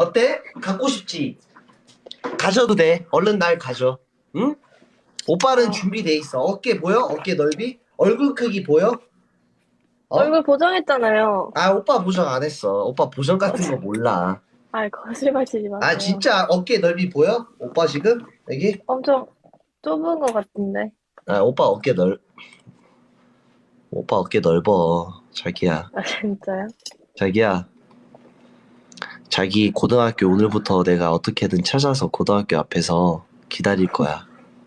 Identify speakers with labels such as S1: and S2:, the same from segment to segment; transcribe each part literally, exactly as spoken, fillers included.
S1: 어때? 갖고 싶지? 가져도 돼. 얼른 날 가져. 응? 오빠는
S2: 아,
S1: 준비돼 있어. 어깨 보여? 어깨 넓이? 얼굴 크기 보여? 어?
S2: 얼굴 보정했잖아요.
S1: 아, 오빠 보정 안 했어. 오빠 보정 같은 거
S2: 거짓,
S1: 몰라.
S2: 아, 거짓말 치지
S1: 아,
S2: 마세요.
S1: 진짜 어깨 넓이 보여? 오빠 지금? 여기?
S2: 엄청 좁은 것 같은데.
S1: 아, 오빠 어깨 넓, 오빠 어깨 넓어. 자기야.
S2: 아, 진짜요?
S1: 자기야. 자기 고등학교 오늘부터 내가 어떻게든 찾아서 고등학교 앞에서 기다릴 거야.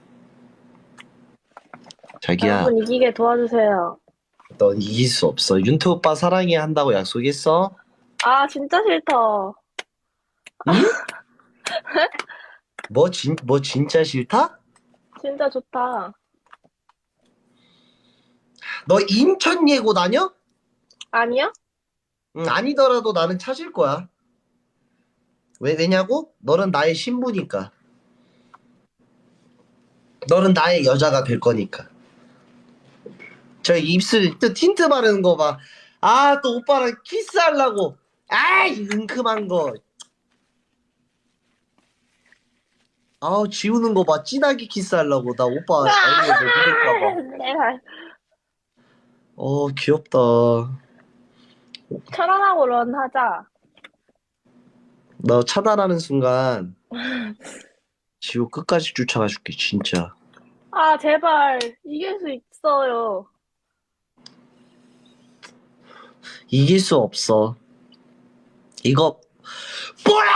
S1: 자기야,
S2: 여러분 이기게 도와주세요.
S1: 넌 이길 수 없어. 윤태 오빠 사랑해 한다고 약속했어?
S2: 아, 진짜 싫다.
S1: 응? 뭐 진, 뭐 진짜 싫다?
S2: 진짜 좋다.
S1: 너 인천 예고 다녀?
S2: 아니요?
S1: 응, 아니더라도 나는 찾을 거야. 왜, 왜냐고? 너는 나의 신부니까. 너는 나의 여자가 될 거니까. 저 입술 또 틴트 바르는 거 봐. 아, 또 오빠랑 키스하려고. 아이, 은큼한 거. 아우, 지우는 거 봐. 진하게 키스하려고. 나 오빠 얼굴에 뭐 묻을까 봐.
S2: 내가
S1: 어, 귀엽다.
S2: 천안하고 런 하자.
S1: 너 차단하는 순간 지우 끝까지 쫓아가 줄게, 진짜.
S2: 아, 제발. 이길 수 있어요.
S1: 이길 수 없어. 이거, 뭐야!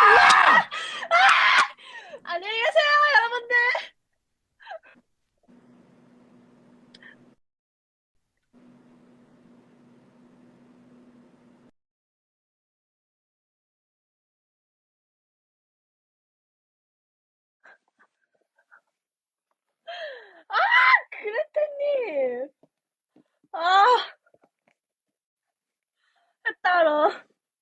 S2: 안녕히 계세요, 여러분들. 아, 그레테님. 아, 따로.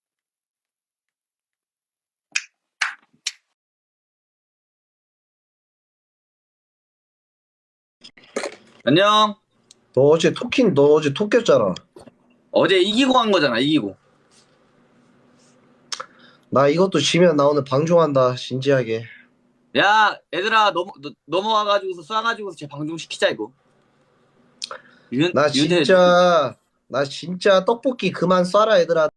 S3: 안녕.
S1: 너 어제 토킹, 너 어제 톡 꼈잖아.
S3: 어제 이기고 간 거잖아, 이기고.
S1: 나 이것도 지면 나 오늘 방종한다, 진지하게.
S3: 야, 얘들아, 넘, 너- 넘어와가지고서 쏴가지고서 쟤 방종시키자, 이거. 윤,
S1: 나
S3: 윤태,
S1: 진짜, 나 진짜 떡볶이 그만 쏴라, 얘들아.